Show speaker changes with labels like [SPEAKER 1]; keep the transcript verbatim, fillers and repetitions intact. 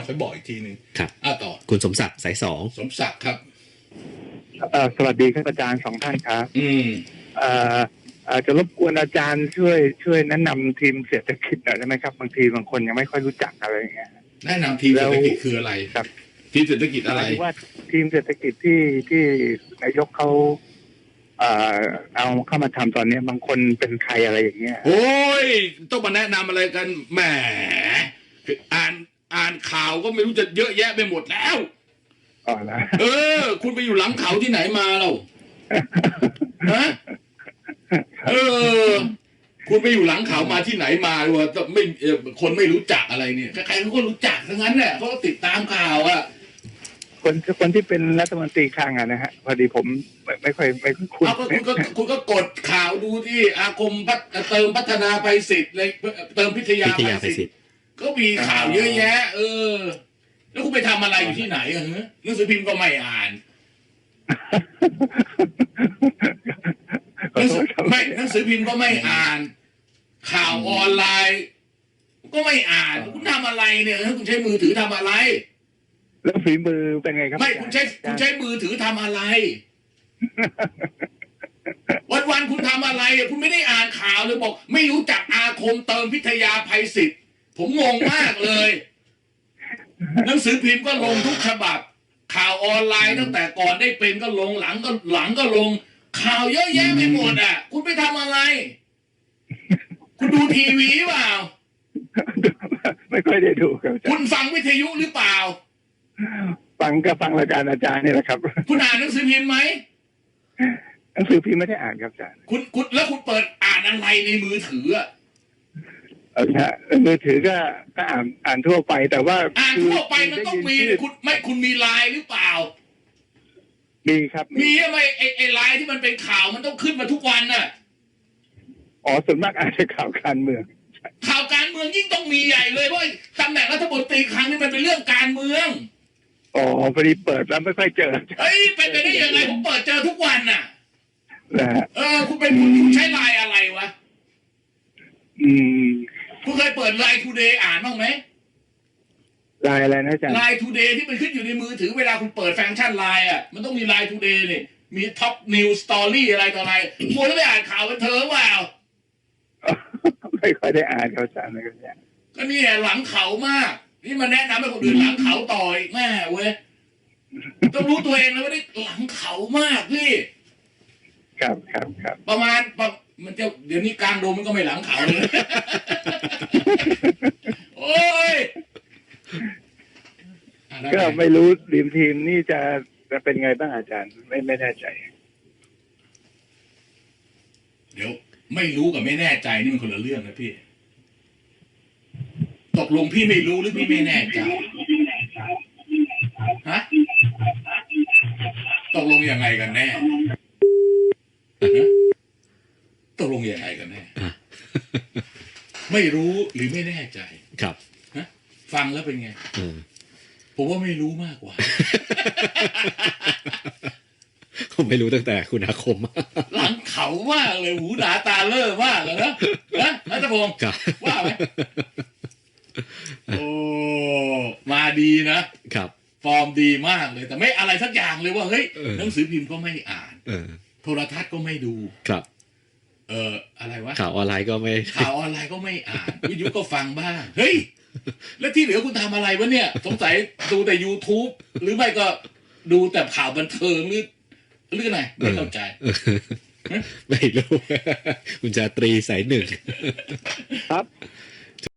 [SPEAKER 1] ค่อยบอกอีกทีหนึ่ง
[SPEAKER 2] ครับ
[SPEAKER 1] อ่าต่อ
[SPEAKER 2] คุณสมศักดิ์สายสอง
[SPEAKER 1] สมศักดิ์ครับ
[SPEAKER 3] เอ่อสวัสดีครับอาจารย์สองท่านครับ
[SPEAKER 1] อืม
[SPEAKER 3] เอ่ออาจจะรบกวนอาจารย์ช่วยช่วยแนะนำทีมเศรษฐกิจหน่อยได้ไหมครับบางทีบางคนยังไม่ค่อยรู้จักอะไรอย่างเงี้ย
[SPEAKER 1] แนะนำทีมเศรษฐกิจคืออะไร
[SPEAKER 3] ครับ
[SPEAKER 1] ทีมเศรษฐกิจอะไร
[SPEAKER 3] ว่าทีมเศรษฐกิจที่ที่นายกเขาเอ่อเอาเข้ามาทำตอนนี้บางคนเป็นใครอะไรอย่างเงี้ย
[SPEAKER 1] โอ้ยต้องมาแนะนำอะไรกันแหมอ่านอ่านข่าวก็ไม่รู้จะเยอะแยะไปหมดแล้ว
[SPEAKER 3] อ๋อนะ
[SPEAKER 1] เออคุณไปอยู่หลังเขาที่ไหนมาเราฮะเออคุณไปอยู่หลังเขามาที่ไหนมาว่าไม่คนไม่รู้จักอะไรเนี่ยใครๆเขาก็รู้จักทั้งนั้นแหละเขาก็ติดตามข่าวอะ
[SPEAKER 3] คนคนที่เป็นรัฐมนตรีคลังอะนะฮะพอดีผมไม่ไม่ค่อยไม่คุ้น
[SPEAKER 1] เอาก็คุณก็คุณก็กดข่าวดูที่อาคมเติมพัฒนาภัยศิษย์เลยเติมพิทยาภัยศิษย์ก็มีข่าวเยอะแยะเออแล้วคุณไปทำอะไรอยู่ที่ไหนอะฮะหนังสือพิมพ์ก็ไม่อ่านไม่หนังสือพิมพ์ก็ไม่อ่านข่าวออนไลน์ก็ไม่อ่านคุณทำอะไรเนี่ยคุณใช้มือถือทำอะไร
[SPEAKER 3] แล้วฝีมือเป็นไงครับ
[SPEAKER 1] ไม่คุณใช้คุณใช้มือถือทำอะไรวันวันคุณทำอะไรคุณไม่ได้อ่านข่าวเลยบอกไม่รู้จักอาคมเติมพิทยาภัยศิษย์ผมงงมากเลยหนังสือพิมพ์ก็ลงทุกฉบับข่าวออนไลน์ตั้งแต่ก่อนได้เป็นก็ลงหลังก็หลังก็ลงข่าวเยอะแยะไปหมดอ่ะคุณไปทำอะไรคุณดูทีวีเปล่า
[SPEAKER 3] ไม่ค่อยได้ดูครับ
[SPEAKER 1] คุณฟังวิทยุหรือเปล่า
[SPEAKER 3] ฟังก็ฟังรายการอาจารย์นี่แหละครับ
[SPEAKER 1] คุณอ่านหนังสือพิมพ์ไหม
[SPEAKER 3] หนังสือพิมพ์ไม่ได้อ่านครับอาจารย์
[SPEAKER 1] คุณคุณแล้วคุณเปิดอ่านอะไรในมือถืออ่ะ
[SPEAKER 3] เออฮะมือถือก็ก็อ่านอ่านทั่วไปแต่ว่า
[SPEAKER 1] อ่านทั่วไปมันต้องมีคุณไม่คุณมีไลน์หรือเปล่า
[SPEAKER 3] มีครับ
[SPEAKER 1] มีไหมไอไอไลน์ที่มันเป็นข่าวมันต้องขึ้นมาทุกวันน่ะ
[SPEAKER 3] อ๋อส่วนมากอ่านแต่ข่าวการเมือง
[SPEAKER 1] ข่าวการเมืองยิ่งต้องมีใหญ่เลยเพราะตำแหน่งรัฐมนตรีครั้งนี้มันเป็นเรื่องการเมือง
[SPEAKER 3] อ๋อพอดีเปิดแล้วไม่ค่อยเจอ
[SPEAKER 1] เฮ้ยเป็นไปได้ยังไงผมเปิดเจอทุกวันน่ะ
[SPEAKER 3] นะ
[SPEAKER 1] เออคุณเป็นคุณใช้ไลน์อะไรวะ
[SPEAKER 3] อืม
[SPEAKER 1] คุณเคยเปิดไลน์ทูเดย์อ่านบ้างไหม
[SPEAKER 3] ไลน์อะไรนะอาจารย์
[SPEAKER 1] ไลน์ทูเดย์ที่มันขึ้นอยู่ในมือถือเวลาคุณเปิดฟังก์ชันไลน์อ่ะมันต้องมีไลน์ทูเดย์นี่มีท็อปนิวสตอรี่อะไรต่ออะไรมัวแล้วไปอ่านข่าวกันเธอเปล่า
[SPEAKER 3] ไม่ค่อยได้อ่านข่าวสารเลยครับ
[SPEAKER 1] ก็นี่หลังเขามากนี่มาแนะนำให้คนอื่นหลังเขาต่ออีกแม่เว้ยต้องรู้ตัวเองนะว่าได้หลังเขามากพี่
[SPEAKER 3] ครับครับครับ
[SPEAKER 1] ประมาณมันจะเดี๋ยวนี้กลางโดมมันก็ไม่หลังเขาเลยโอ้ย
[SPEAKER 3] ก็ไม่รู้ทีมทีมนี่จะจะเป็นไงบ้างอาจารย์ไม่ไม่แน่ใจ
[SPEAKER 1] เดี๋ยวไม่รู้กับไม่แน่ใจนี่มันคนละเรื่องนะพี่ตกลงพี่ไม่รู้หรือพี่ไม่แน่ใจฮะตกลงยังไงกันแน่ตกลงยังไงกันแน่ไม่รู้หรือไม่แน่ใจ
[SPEAKER 2] ครับ
[SPEAKER 1] ฮะฟังแล้วเป็นไงผมว่าไม่รู้มากกว่า
[SPEAKER 2] ผมไม่รู้ตั้งแต่คุณอาคม
[SPEAKER 1] หลังเขามากเลยหูหนาตาเล่อมากเลยนะนะนัทพงศ์ว่าไหมโอ้มาดีนะครับฟอร์มดีมากเลยแต่ไม่อะไรสักอย่างเลยว่าเฮ้ยหนังสือพิมพ์ก็ไม่อ่านโทรทัศน์ก็ไม่ดู
[SPEAKER 2] ครับ
[SPEAKER 1] เอออะไรวะ
[SPEAKER 2] ข่าวออนไลน์ก็ไม่
[SPEAKER 1] ข่าวออนไลน์ก็ไม่อ่านวิทยุก็ฟังบ้างเฮ้ยแล้วที่เหลือคุณทำอะไรวะเนี่ยสงสัยดูแต่ YouTube หรือไม่ก็ดูแต่ข่าวบันเทิงหรือหรือไงไม่เข้าใจ
[SPEAKER 2] ไม่รู้คุณจาตรีสายหนึ่ง
[SPEAKER 3] ครับ